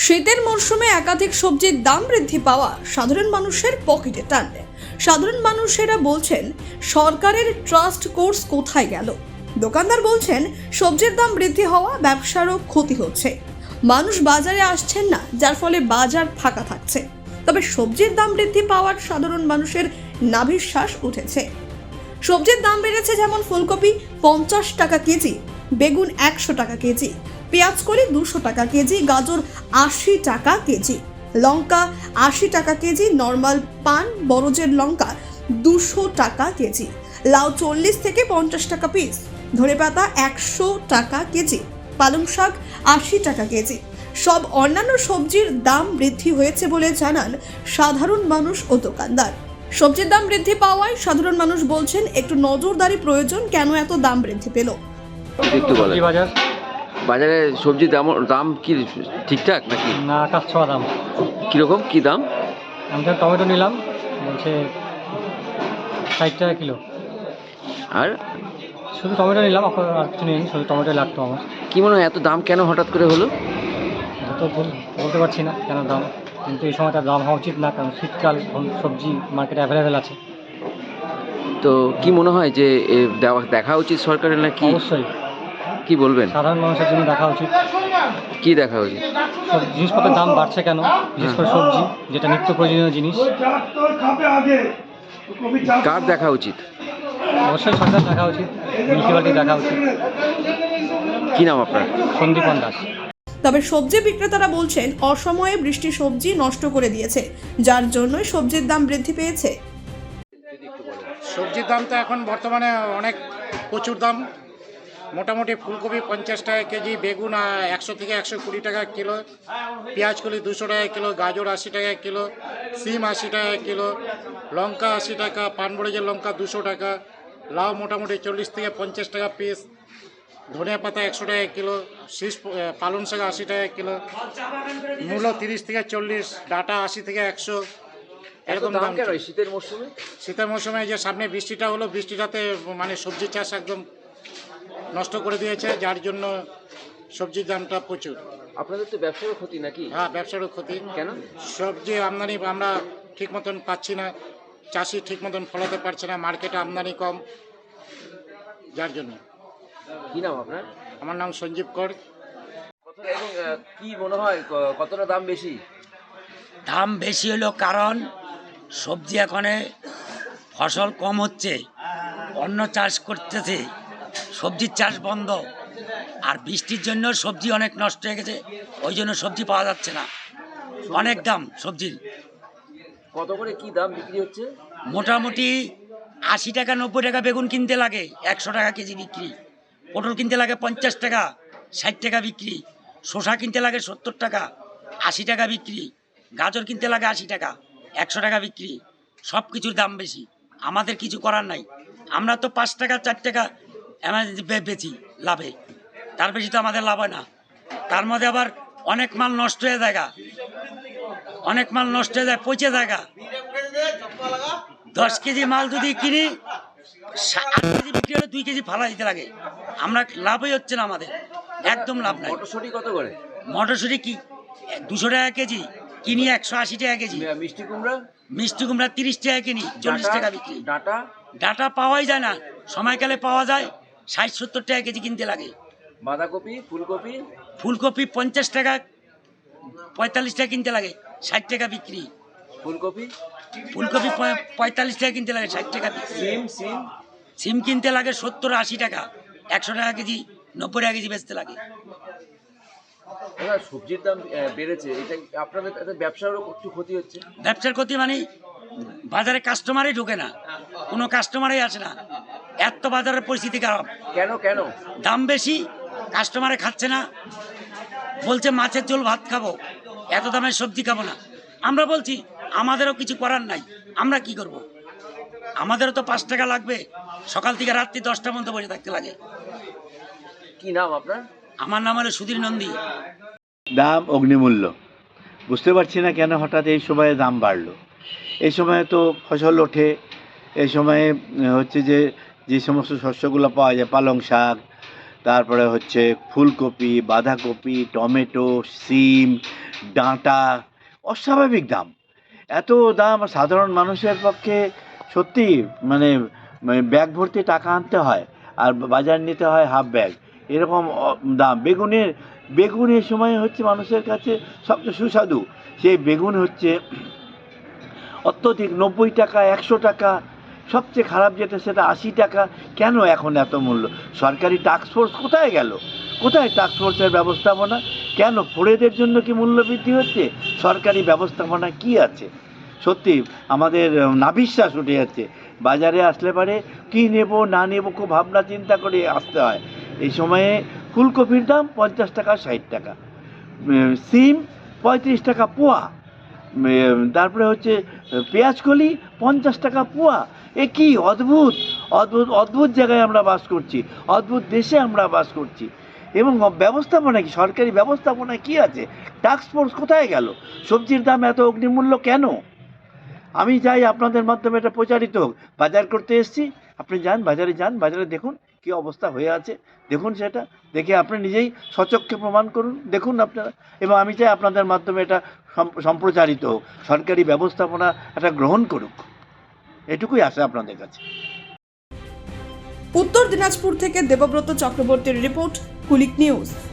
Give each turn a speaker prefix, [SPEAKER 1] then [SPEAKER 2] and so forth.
[SPEAKER 1] শীতের মরশুমে একাধিক সবজির দাম বৃদ্ধি পাওয়া সাধারণ মানুষের পকেটে টানবে। সাধারণ মানুষেরা বলছেন, সরকারের ট্রাস্ট কোর্স কোথায় গেল? দোকানদার বলছেন, সবজির দাম বৃদ্ধি হওয়া ব্যবসারও ক্ষতি হচ্ছে। মানুষ বাজারে আসছেন না, যার ফলে বাজার ফাঁকা থাকছে। তবে সবজির দাম বৃদ্ধি পাওয়ার সাধারণ মানুষের নাভিশ্বাস উঠেছে। সবজির দাম বেড়েছে, যেমন ফুলকপি 50 টাকা কেজি, বেগুন 100 টাকা কেজি, পেঁয়াজ কলি 200 টাকা কেজি, গাজর 80 টাকা কেজি, লঙ্কা 80 টাকা কেজি, নর্মাল পান বরজের লঙ্কা 200 টাকা কেজি, লাউ 40 থেকে 50 টাকা পিস, ধনেপাতা 100 টাকা কেজি, পালং শাক 80 টাকা কেজি। সব অন্যান্য সবজির দাম বৃদ্ধি হয়েছে বলে জানান সাধারণ মানুষ ও দোকানদার। সবজির দাম বৃদ্ধি পাওয়ায় সাধারণ মানুষ বলছেন, একটু নজরদারি প্রয়োজন। কেন এত দাম বৃদ্ধি পেল?
[SPEAKER 2] একটু বলেন। বাজারে সবজির দাম কি ঠিকঠাক নাকি?
[SPEAKER 3] না, আকাশ ছোঁয়া দাম।
[SPEAKER 2] কিরকম কি দাম?
[SPEAKER 3] আমি তো টমেটো নিলাম, বলছে 60 টাকা কিলো।
[SPEAKER 2] আর
[SPEAKER 3] শুধু টমেটো নিলাম, আর কিছু নেই, শুধু টমেটোই লাগতো আমার।
[SPEAKER 2] কি মনে হয় এত দাম কেন হঠাৎ করে হলো?
[SPEAKER 3] তো বলতে পারছি না কেন দাম, কিন্তু এই সময়টা দাম হওয়া উচিত না, কারণ শীতকাল, সবজি মার্কেটে অ্যাভেলেবেল আছে।
[SPEAKER 2] তো কি মনে হয় যে দেখা উচিত সরকারের নাকি?
[SPEAKER 3] অবশ্যই।
[SPEAKER 2] কি বলবেন?
[SPEAKER 3] সাধারণ মানুষের জন্য দেখা উচিত।
[SPEAKER 2] কি দেখা উচিত?
[SPEAKER 3] সব জিনিসপত্রের দাম বাড়ছে কেন, বিশেষ করে সবজি, যেটা নিত্য প্রয়োজনীয় জিনিস।
[SPEAKER 2] কার দেখা উচিত?
[SPEAKER 3] অবশ্যই সরকার দেখা উচিত, মিউনিসিপ্যালিটি দেখা উচিত।
[SPEAKER 2] কি নাম আপনার?
[SPEAKER 3] সন্দীপন দাস।
[SPEAKER 1] তবে সবজি বিক্রেতারা বলছেন, অসময়ে বৃষ্টি সবজি নষ্ট করে দিয়েছে, যার জন্যই সবজির দাম বৃদ্ধি পেয়েছে।
[SPEAKER 4] সবজির দাম তো এখন বর্তমানে অনেক প্রচুর দাম। মোটামুটি ফুলকপি 50 টাকা কেজি, বেগুন 100 থেকে 120 টাকা কিলো, পেঁয়াজ কলি 200 টাকা কিলো, গাজর 80 টাকা কিলো, সিম 80 টাকা কিলো, লঙ্কা 80 টাকা, পানবড়িজের লঙ্কা 200 টাকা, লাউ মোটামুটি 40 থেকে 50 টাকা পিস, ধনিয়া পাতা 100 টাকা কিলো, শীষ পালং শাক 80 টাকা কিলো, মূলো 30 থেকে 40, ডাটা 80 থেকে 100। এরকম দাম
[SPEAKER 2] কেন শীতের মরশুমে?
[SPEAKER 4] শীতের মৌসুমে যে সামনে বৃষ্টিটা হলো, বৃষ্টিটাতে মানে সবজি চাষ একদম নষ্ট করে দিয়েছে, যার জন্য সবজির দামটা প্রচুর।
[SPEAKER 2] আপনাদের তো ব্যবসারও ক্ষতি নাকি?
[SPEAKER 4] হ্যাঁ, ব্যবসারও ক্ষতি।
[SPEAKER 2] কেন?
[SPEAKER 4] সবজি আমদানি আমরা ঠিক মতন পাচ্ছি না, চাষি ঠিক মতন ফলাতে পারছে না, মার্কেটে আমদানি কম, যার জন্য।
[SPEAKER 2] কি নাম আপনার?
[SPEAKER 4] আমার নাম সঞ্জীব কর।
[SPEAKER 2] এবং কি মনে হয় কতটা দাম বেশি?
[SPEAKER 5] দাম বেশি হলো কারণ সবজি এখানে ফসল কম হচ্ছে, অন্য চাষ করতেছে, সবজির চাষ বন্ধ, আর বৃষ্টির জন্য সবজি অনেক নষ্ট হয়ে গেছে, ওই জন্য সবজি পাওয়া যাচ্ছে না। অনেক দাম সবজির।
[SPEAKER 2] কত করে কি দাম বিক্রি হচ্ছে?
[SPEAKER 5] মোটামুটি 80 টাকা 90 টাকা বেগুন কিনতে লাগে, 100 টাকা কেজি বিক্রি। পটল কিনতে লাগে 50 টাকা, 60 টাকা বিক্রি। শসা কিনতে লাগে 70 টাকা, 80 টাকা বিক্রি। গাজর কিনতে লাগে 80 টাকা, 100 টাকা বিক্রি। সব কিছুর দাম বেশি, আমাদের কিছু করার নাই। আমরা তো 5 টাকা 4 টাকা বেচি লাভে, তার বেশি তো আমাদের লাভ হয় না। তার মধ্যে আবার অনেক মাল নষ্ট হয়ে যায়, অনেক মাল নষ্ট হয়ে যায়, পচে যায়। 10 কেজি মাল যদি কিনি, 8 কেজি বিক্রি হলে 2 কেজি ফালা দিতে লাগে। আমরা লাভই হচ্ছে না, আমাদের একদম লাভ নাই।
[SPEAKER 2] মটরশুঁটি কত করে?
[SPEAKER 5] মটরশুঁটি কি 200 টাকা কেজি কিনি, 180 টাকা কেজি।
[SPEAKER 2] মিষ্টি কুমড়া?
[SPEAKER 5] মিষ্টি কুমড়া 30 টাকা কিনি, 40 টাকা বিক্রি।
[SPEAKER 2] ডাটা?
[SPEAKER 5] ডাটা পাওয়াই যায় না, সময়কালে পাওয়া যায়, 60-70 টাকা কেজি কিনতে লাগে।
[SPEAKER 2] বাঁধাকপি, ফুলকপি?
[SPEAKER 5] ফুলকপি 50 টাকা 45 টাকা কিনতে লাগে, 60 টাকা বিক্রি।
[SPEAKER 2] ফুলকপি?
[SPEAKER 5] ফুলকপি 45 টাকা কিনতে লাগে, 60 টাকা বিক্রি।
[SPEAKER 2] সিম? সিম?
[SPEAKER 5] সিম কিনতে লাগে 70-80 টাকা, 100 টাকা কেজি, 90 টাকা কেজি বেচতে লাগে।
[SPEAKER 2] সবজির দাম বেড়েছে, এটা আপনাদের ব্যবসারও একটু ক্ষতি হচ্ছে?
[SPEAKER 5] ব্যবসার ক্ষতি মানে বাজারে কাস্টমারই ঢোকে না, কোনো কাস্টমারই আসে না, এত বাজারের পরিস্থিতি খারাপ।
[SPEAKER 2] কেন কেন?
[SPEAKER 5] দাম বেশি, কাস্টমারে খাচ্ছে না, বলছে মাছের ঝোল ভাত খাবো, এত দামের সবজি খাবো না। আমরা বলছি আমাদেরও কিছু করার নাই, আমরা কি করব? আমাদেরও তো 5 টাকা লাগবে, সকাল থেকে রাত্রি 10টা পর্যন্ত বসে থাকতে লাগে।
[SPEAKER 2] কি নাম আপনার?
[SPEAKER 5] আমার নাম হলো সুধীর নন্দী।
[SPEAKER 6] দাম অগ্নিমূল্য, বুঝতে পারছি না কেন হঠাৎ এই সময়ে দাম বাড়লো। এই সময়ে তো ফসল ওঠে, এই সময়ে হচ্ছে যে সমস্ত শস্যগুলো পাওয়া যায়, পালং শাক, তারপরে হচ্ছে ফুলকপি, বাঁধাকপি, টমেটো, সিম, ডাঁটা, অস্বাভাবিক দাম। এত দাম সাধারণ মানুষের পক্ষে সত্যি মানে ব্যাগ ভর্তি টাকা আনতে হয় আর বাজার নিতে হয় হাফ ব্যাগ, এরকম দাম। বেগুনের সময় হচ্ছে মানুষের কাছে সবচেয়ে সুস্বাদু সেই বেগুন হচ্ছে অত্যধিক 90 টাকা, 100 টাকা, সবচেয়ে খারাপ যেটা সেটা 80 টাকা। কেন এখন এত মূল্য? সরকারি টাস্কফোর্স কোথায় গেল? কোথায় টাস্কফোর্সের ব্যবস্থাপনা? কেন ফোড়েদের জন্য কি মূল্য বৃদ্ধি হচ্ছে? সরকারি ব্যবস্থাপনা কি আছে? সত্যি আমাদের নাভিশ্বাস উঠে যাচ্ছে। বাজারে আসলে পারে কী নেব না নেব খুব ভাবনা চিন্তা করে আসতে হয়। এই সময়ে ফুলকপির দাম 50 টাকা 60 টাকা, সিম 35 টাকা পোয়া, তারপরে হচ্ছে পেঁয়াজকলি 50 টাকা পোয়া। এ কি অদ্ভুত অদ্ভুত অদ্ভুত জায়গায় আমরা বাস করছি, অদ্ভুত দেশে আমরা বাস করছি। এবং ব্যবস্থাপনা কি, সরকারি ব্যবস্থাপনা কি আছে? টাস্কফোর্স কোথায় গেল? সবজির দাম এত অগ্নিমূল্য কেন? আমি চাই আপনাদের মাধ্যমে এটা প্রচারিত হোক। বাজার করতে এসেছি, আপনি যান বাজারে, যান বাজারে দেখুন কী অবস্থা হয়ে আছে, দেখুন সেটা দেখে আপনি নিজেই সচক্ষে প্রমাণ করুন, দেখুন আপনারা। এবং আমি চাই আপনাদের মাধ্যমে এটা সম্প্রচারিত হোক, সরকারি ব্যবস্থাপনা এটা গ্রহণ করুক, এটুকুই আশা আপনাদের কাছে।
[SPEAKER 1] উত্তর দিনাজপুর থেকে দেবব্রত চক্রবর্তীর রিপোর্ট, কুলিক নিউজ।